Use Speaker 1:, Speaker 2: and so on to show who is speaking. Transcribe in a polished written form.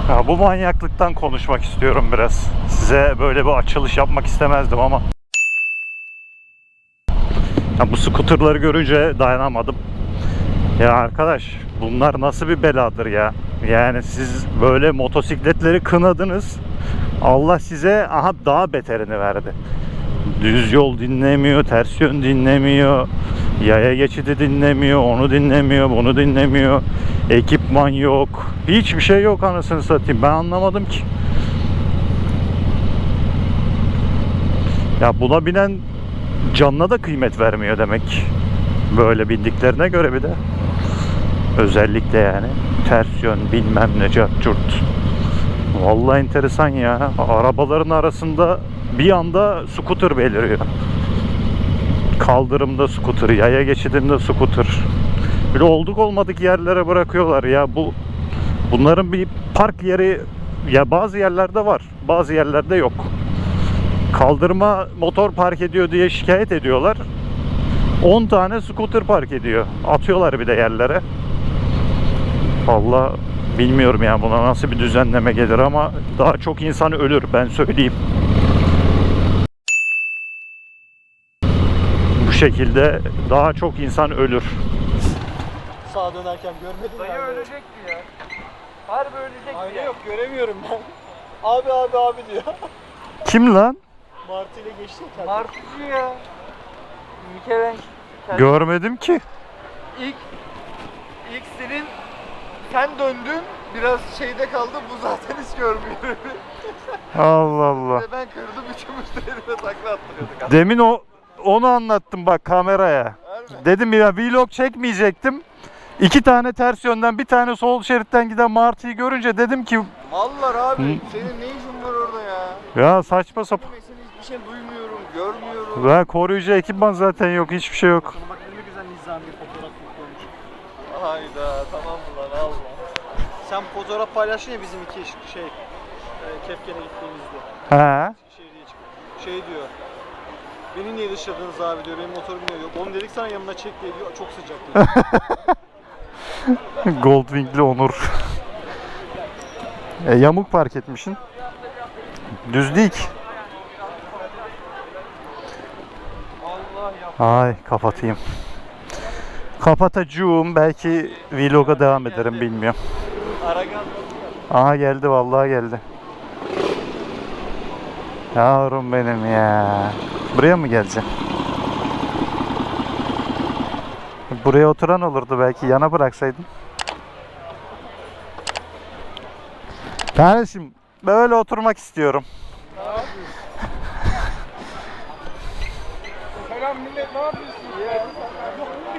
Speaker 1: Ya bu manyaklıktan konuşmak istiyorum biraz. Size böyle bir açılış yapmak istemezdim ama ya bu skuterları görünce dayanamadım. Ya arkadaş, bunlar nasıl bir beladır ya? Yani siz böyle motosikletleri kınadınız. Allah size daha beterini verdi. Düz yol dinlemiyor, ters yön dinlemiyor, yaya geçidi dinlemiyor, onu dinlemiyor, bunu dinlemiyor. Ekipman yok. Hiçbir şey yok anasını satayım. Ben anlamadım ki. Ya buna binen canına da kıymet vermiyor demek. Böyle bindiklerine göre bir de. Özellikle yani. Ters yön bilmem ne cart curt. Vallahi enteresan ya. Arabaların arasında bir anda scooter beliriyor. Kaldırımda scooter, yaya geçidinde scooter. Böyle olduk olmadık yerlere bırakıyorlar ya. Bunların bir park yeri ya bazı yerlerde var, bazı yerlerde yok. Kaldırıma motor park ediyor diye şikayet ediyorlar. 10 tane scooter park ediyor. Atıyorlar bir de yerlere. Vallahi bilmiyorum ya buna nasıl bir düzenleme gelir ama daha çok insan ölür, ben söyleyeyim. Bu şekilde daha çok insan ölür.
Speaker 2: Sağa dönerken görmedin mi?
Speaker 3: Dayı ölecekti ya. Harbi ölecekti
Speaker 2: Ayna
Speaker 3: ya.
Speaker 2: yok, göremiyorum ben. Abi abi abi diyor.
Speaker 1: Kim lan?
Speaker 2: Martı ile geçti ya.
Speaker 3: Martıcı ya. Mikelenk.
Speaker 1: Görmedim ki.
Speaker 3: İlk senin sen döndün biraz şeyde kaldı, bu zaten hiç görmüyor.
Speaker 1: Allah Allah.
Speaker 3: Ben kırdım, üçümüz de elime takla attırıyorduk.
Speaker 1: Demin onu anlattım bak kameraya.
Speaker 3: Harbi.
Speaker 1: Dedim ya vlog çekmeyecektim. 2 tane ters yönden bir tane sol şeritten giden martıyı görünce dedim ki
Speaker 3: Mallar abi, senin ne işin var orada ya?
Speaker 1: ya saçma sapan.
Speaker 3: Ben senin hiçbir şey duymuyorum, görmüyorum.
Speaker 1: Ve koruyucu ekipman zaten yok, hiçbir şey yok.
Speaker 2: Bak ne güzel nizami fotoğraf koymuş.
Speaker 3: Hayda, tamam mı lan, Allah.
Speaker 2: Sen fotoğraf paylaştın ya bizim iki Kefken'e gittiğimizde.
Speaker 1: He.
Speaker 2: Şehriye çıkıyor. Şey diyor. Beni niye dışladınız abi diyor. Benim motorum niye yok. Onu dedik sana yanına çek diye diyor. Çok sıcak diyor.
Speaker 1: Goldwing'li Onur. Yamuk park etmişsin. Düz değil ki.
Speaker 3: Allah ya.
Speaker 1: Ay kapatayım. Kapatacağım. Belki vloga devam ederim, bilmiyorum.
Speaker 3: Aragan.
Speaker 1: Aha geldi, vallahi geldi. Yavrum benim ya. Buraya mı geleceğim? Buraya oturan olurdu belki, yana bıraksaydım. Kardeşim böyle oturmak istiyorum.
Speaker 3: Selam millet, ne yapıyorsun ya?